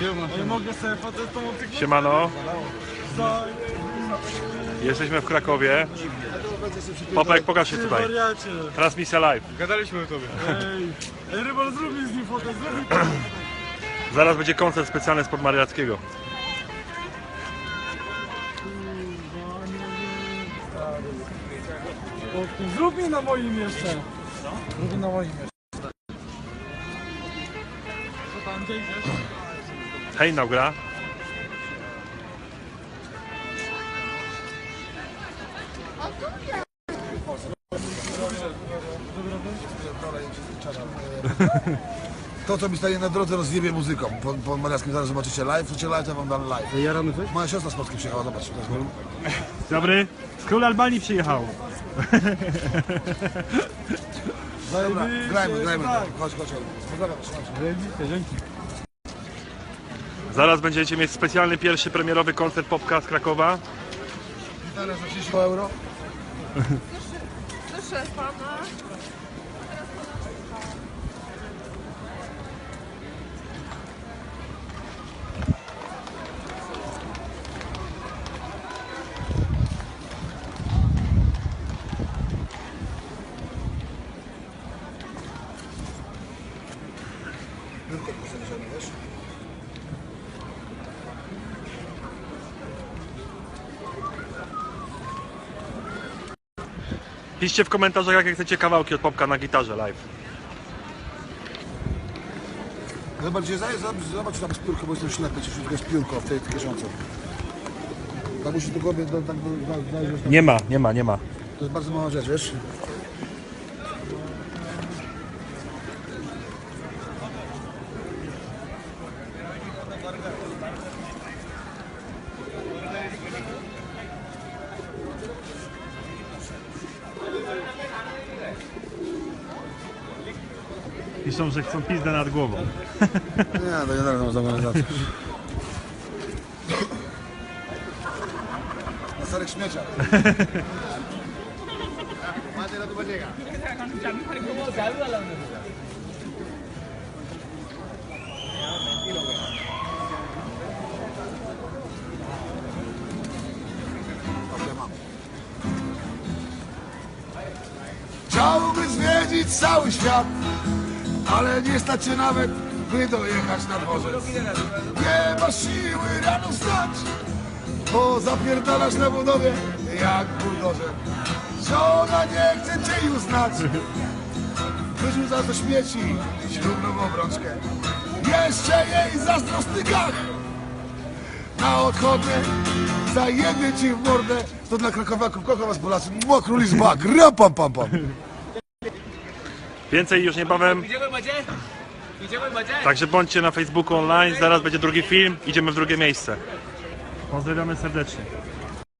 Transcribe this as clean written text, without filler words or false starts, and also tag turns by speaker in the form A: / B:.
A: Nie mogę sobie facetą otyknąć.
B: Siemano. Jesteśmy w Krakowie. Popek, pokaż się tutaj. Transmisja live.
A: Gadaliśmy o tobie. Ej, Rybal, zrób mi z nim fotę, zrób mi.
B: Zaraz będzie koncert specjalny z Podmariackiego.
A: Zrób mi na moim jeszcze. Zrób mi na moim jeszcze. Co tam, gdzie idziesz?
B: Hej, Naugra.
C: To, co mi stanie na drodze, rozjebie muzyką. Po Mariackim zaraz zobaczycie live, chcecie live, to wam dam live.
A: Jaramy coś?
C: Moja siostra z Polski przyjechała, zobacz.
B: Dobry. Z król Albanii przyjechał.
C: Dobra, grajmy. Chodź. Pozdrawiam,
A: Dzięki.
B: Zaraz będziecie mieć specjalny pierwszy premierowy koncert Popka z Krakowa.
C: Gitara za 30 euro.
D: Proszę pana.
B: Piszcie w komentarzach, jakie chcecie kawałki od Popka na gitarze live.
C: Zobacz tam spiórkę, bo jestem ślepy, czy wszystko jest piórko w tej kieszonce. Tak musisz do głowy, znaleźć.
B: Nie ma.
C: To jest bardzo mała rzecz, wiesz?
B: Piszą, że chcą pizdę nad głową.
C: Nie, to nie dam za organizację. Na starych śmieciach. Chciałby zwiedzić cały świat, ale nie stać się nawet, by dojechać na dworzec. Nie masz siły rano wstać, bo zapierdalasz na budowie jak buldożer. Żona nie chce cię już znać, wyrzucasz do śmieci ślubną obrączkę. Jeszcze jej zazdrosny gach na odchodne zajebie ci w mordę. To dla krakowiaków, kocham was Polacy, mokru lizbak, rapam pam pam.
B: Więcej już niebawem. Także bądźcie na Facebooku online, zaraz będzie drugi film, idziemy w drugie miejsce. Pozdrawiamy serdecznie.